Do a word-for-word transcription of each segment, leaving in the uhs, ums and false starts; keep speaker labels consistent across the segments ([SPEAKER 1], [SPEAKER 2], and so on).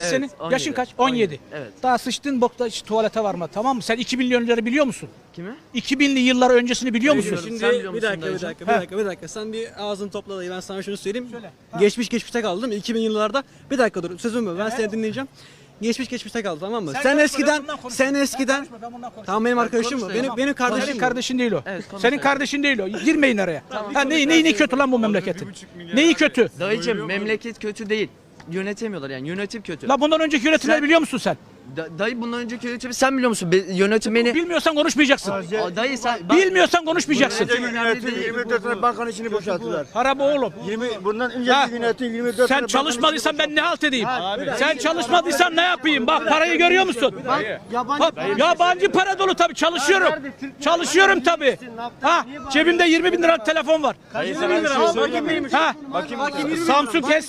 [SPEAKER 1] Evet,
[SPEAKER 2] senin?
[SPEAKER 1] on yedi.
[SPEAKER 2] Yaşın kaç? on yedi.
[SPEAKER 1] Evet.
[SPEAKER 2] Daha sıçtığın bokta hiç tuvalete varma, tamam mı? Sen iki binli yılları biliyor musun?
[SPEAKER 1] Kimi?
[SPEAKER 2] iki binli yıllar öncesini biliyor musun?
[SPEAKER 1] Biliyorum.
[SPEAKER 3] Şimdi
[SPEAKER 1] Sen biliyor
[SPEAKER 3] bir
[SPEAKER 1] musun
[SPEAKER 3] dakika, bir
[SPEAKER 1] dayıcım?
[SPEAKER 3] dakika, bir dakika, bir dakika. Sen bir ağzını topla dayı. Ben sana şunu söyleyeyim. Geçmiş geçmişte kaldı değil mi? iki bin yıllarda. Bir dakika dur. Sözüm mü? Ben seni dinleyeceğim. Geçmiş geçmişte kaldı, tamam mı? Sen,
[SPEAKER 2] konuşma, ben
[SPEAKER 3] eskiden
[SPEAKER 2] bundan konuşurum.
[SPEAKER 3] sen
[SPEAKER 2] Sen
[SPEAKER 3] eskiden
[SPEAKER 2] konuşma, ben bundan konuşurum.
[SPEAKER 3] tamam, benim arkadaşım mı?
[SPEAKER 1] konuş
[SPEAKER 3] Benim
[SPEAKER 1] dayı.
[SPEAKER 3] benim kardeşim.
[SPEAKER 2] Senin
[SPEAKER 3] mi?
[SPEAKER 2] kardeşin değil o.
[SPEAKER 1] Evet, konuş
[SPEAKER 2] Senin
[SPEAKER 1] dayı.
[SPEAKER 2] kardeşin değil o. Girmeyin araya. ha, neyi, neyi, neyi kötü lan bu memleketin? Neyi kötü?
[SPEAKER 1] Dayıcım memleket kötü değil. Yönetemiyorlar yani yönetim kötü.
[SPEAKER 2] La bundan önceki yönetimleri
[SPEAKER 1] Sen-
[SPEAKER 2] biliyor musun sen?
[SPEAKER 1] Da- dayı bundan önceki yönetimi sen biliyor musun? Be- yönetim beni...
[SPEAKER 2] Bilmiyorsan konuşmayacaksın.
[SPEAKER 1] Aa, dayı sen... Bak-
[SPEAKER 2] Bilmiyorsan konuşmayacaksın.
[SPEAKER 1] Yönetim-
[SPEAKER 4] yirmi dört tane bankanın içini boşalttılar.
[SPEAKER 2] Para bu oğlum.
[SPEAKER 4] yirmi bundan
[SPEAKER 2] Ha.
[SPEAKER 4] önceki yönetim yirmi dört
[SPEAKER 2] Sen
[SPEAKER 4] tane
[SPEAKER 2] çalışmadıysan ben ne halt edeyim? Sen çalışmadıysan ne yapayım? Bak parayı görüyor musun? Bak, yabancı para dolu tabii, çalışıyorum. Çalışıyorum tabii. Ha, cebimde yirmi bin liralık telefon var. Ha, Samsung S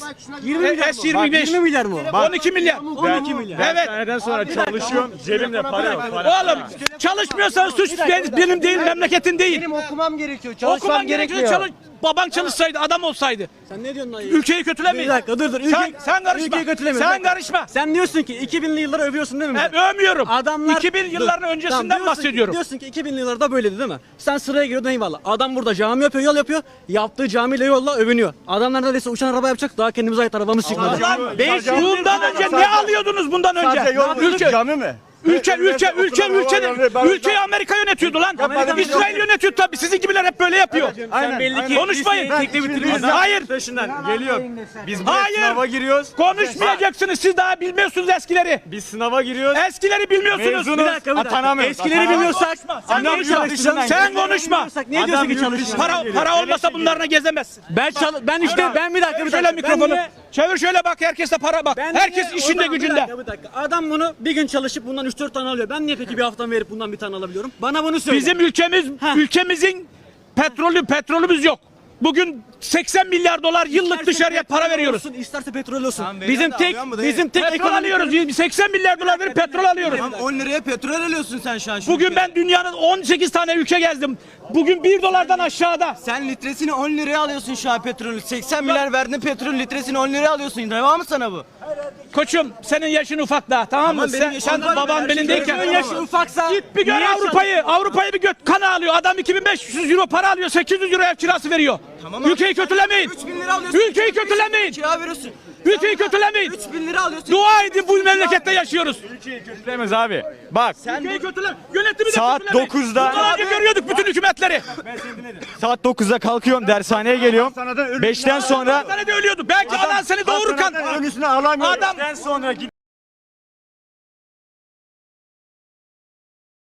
[SPEAKER 2] S yirmi beş.
[SPEAKER 3] yirmi milyar mı?
[SPEAKER 2] on iki milyar.
[SPEAKER 3] on iki milyar.
[SPEAKER 2] Evet.
[SPEAKER 5] Seneden sonra çalışıyorum, cebimde para yok. Para.
[SPEAKER 2] Oğlum çalışmıyorsan suç benim değil, memleketin değil.
[SPEAKER 6] Benim okumam gerekiyor.
[SPEAKER 2] Okuman
[SPEAKER 6] Çalışmam
[SPEAKER 2] gerekiyor.
[SPEAKER 6] gerekmiyor.
[SPEAKER 2] Çalış, baban çalışsaydı, adam olsaydı.
[SPEAKER 3] Sen ne diyorsun dayı?
[SPEAKER 2] Ülkeyi kötülemeyin.
[SPEAKER 3] Bir dakika dur dur. Ülke,
[SPEAKER 2] Sen, sen karışma.
[SPEAKER 3] Ülkeyi kötüleme.
[SPEAKER 2] Sen
[SPEAKER 3] Bir dakika.
[SPEAKER 2] karışma.
[SPEAKER 3] Sen diyorsun ki iki binli yılları övüyorsun değil mi?
[SPEAKER 2] Ben övmüyorum.
[SPEAKER 3] Adamlar
[SPEAKER 2] iki bin yılların
[SPEAKER 3] Dur.
[SPEAKER 2] öncesinden
[SPEAKER 3] Tamam, diyorsun ki-
[SPEAKER 2] bahsediyorum.
[SPEAKER 3] Diyorsun ki iki binli yıllarda böyleydi değil mi? Sen sıraya giriyordun, eyvallah. Adam burada cami yapıyor, yol yapıyor. Yaptığı camiyle yolla övünüyor. Adamlar neredeyse uçan araba yapacak. Daha kendimize ait arabamız çıkmadı.
[SPEAKER 2] Lan beş bundan önce ne alıyordunuz bundan önce?
[SPEAKER 4] Sadece yol
[SPEAKER 2] Ülke,
[SPEAKER 4] cami mi?
[SPEAKER 2] ülke, ülke, ülke, ülke,
[SPEAKER 4] Ben-
[SPEAKER 2] ülkeyi Amerika yönetiyordu lan. İsrail yönetiyordu tabii. Sizin gibiler hep böyle yapıyor.
[SPEAKER 5] Sen belli ki
[SPEAKER 2] Konuşmayın.
[SPEAKER 5] Biz
[SPEAKER 2] Hayır.
[SPEAKER 5] taşından geliyor. Biz buraya
[SPEAKER 2] Hayır.
[SPEAKER 5] sınava giriyoruz.
[SPEAKER 2] Konuşmayacaksınız. Siz daha bilmiyorsunuz eskileri.
[SPEAKER 5] Biz sınava giriyoruz.
[SPEAKER 2] Eskileri bilmiyorsunuz.
[SPEAKER 5] Mezunuz.
[SPEAKER 3] Bir dakika, bir dakika.
[SPEAKER 5] Atanamıyoruz.
[SPEAKER 3] Eskileri
[SPEAKER 5] Atanamıyoruz.
[SPEAKER 3] bilmiyorsak
[SPEAKER 2] Sen
[SPEAKER 3] niye
[SPEAKER 2] konuşma.
[SPEAKER 3] çalıştın?
[SPEAKER 2] Sen konuşma.
[SPEAKER 3] Niye diyorsun ki
[SPEAKER 5] yurt
[SPEAKER 3] çalıştın?
[SPEAKER 5] dışına
[SPEAKER 2] Para
[SPEAKER 5] geliyor.
[SPEAKER 2] para olmasa bunlarla gezemezsin.
[SPEAKER 3] Ben çal ben işte ben bir dakika bir
[SPEAKER 2] Şöyle
[SPEAKER 3] dakika. Ben
[SPEAKER 2] mikrofonu.
[SPEAKER 3] niye-
[SPEAKER 2] Çevir şöyle bak, herkeste para bak.
[SPEAKER 3] Ben
[SPEAKER 2] Herkes
[SPEAKER 3] niye-
[SPEAKER 2] işinde
[SPEAKER 3] o zaman bir
[SPEAKER 2] gücünde.
[SPEAKER 3] dakika, bir dakika. Adam bunu bir gün çalışıp bundan üç dört tane alıyor. Ben niye peki bir haftam verip bundan bir tane alabiliyorum? Bana bunu söyle.
[SPEAKER 2] Bizim ülkemiz,
[SPEAKER 3] Heh.
[SPEAKER 2] ülkemizin petrolü, petrolümüz yok. Bugün seksen milyar dolar yıllık
[SPEAKER 3] İsterse
[SPEAKER 2] dışarıya para
[SPEAKER 3] petrol
[SPEAKER 2] veriyoruz.
[SPEAKER 3] olsun, İsterse petrol olsun.
[SPEAKER 4] Tamam,
[SPEAKER 3] Bizim
[SPEAKER 4] veriyor da
[SPEAKER 3] tek
[SPEAKER 4] alıyor mu dayı?
[SPEAKER 3] bizim tek
[SPEAKER 2] Petrol
[SPEAKER 3] ekonomik-
[SPEAKER 2] alıyoruz. seksen milyar dolar verip petrol alıyoruz.
[SPEAKER 4] on liraya petrol alıyorsun sen şu an. şu
[SPEAKER 2] Bugün
[SPEAKER 4] ülkede.
[SPEAKER 2] ben dünyanın on sekiz tane ülke gezdim. Bugün bir dolardan aşağıda.
[SPEAKER 4] Sen litresini on liraya alıyorsun şu an petrolü. seksen milyar verdin petrol litresini on liraya alıyorsun. Reva mı sana bu?
[SPEAKER 2] Koçum senin yaşın ufak daha, tamam mı?
[SPEAKER 4] Tamam, benim
[SPEAKER 2] Sen,
[SPEAKER 4] yaşım
[SPEAKER 2] sen
[SPEAKER 4] ufak.
[SPEAKER 2] baban
[SPEAKER 4] Her
[SPEAKER 2] belindeyken.
[SPEAKER 4] şey
[SPEAKER 3] Senin yaşın ufaksa
[SPEAKER 2] Git bir gör
[SPEAKER 3] niye
[SPEAKER 2] Avrupa'yı. Avrupa'yı bir göt kana alıyor. Adam iki bin beş yüz euro para alıyor. sekiz yüz euro ev kirası veriyor.
[SPEAKER 4] Tamam abi.
[SPEAKER 2] Ülkeyi kötülemeyin.
[SPEAKER 4] üç bin lira alıyorsun.
[SPEAKER 2] Ülkeyi kötülemeyin.
[SPEAKER 4] Kira veriyorsun.
[SPEAKER 2] Ülkeyi kötülemeyin.
[SPEAKER 4] üç bin lira alıyorsun.
[SPEAKER 2] Dua edin, bu memlekette yaşıyoruz.
[SPEAKER 5] Kötülemez abi. Bak
[SPEAKER 2] Ülkeyi kötüle. Yönetimi de
[SPEAKER 5] Saat
[SPEAKER 2] kötülemeyin.
[SPEAKER 5] dokuzda
[SPEAKER 2] Bundan önce görüyorduk bütün hükümetleri.
[SPEAKER 5] saat dokuzda kalkıyorum, dershaneye geliyorum. beşten sonra
[SPEAKER 2] Sana da ölüyordu. Belki anan seni doğururken.
[SPEAKER 4] Önüsüne alamıyorum.
[SPEAKER 2] Adam
[SPEAKER 5] beşten sonra gidiyorum.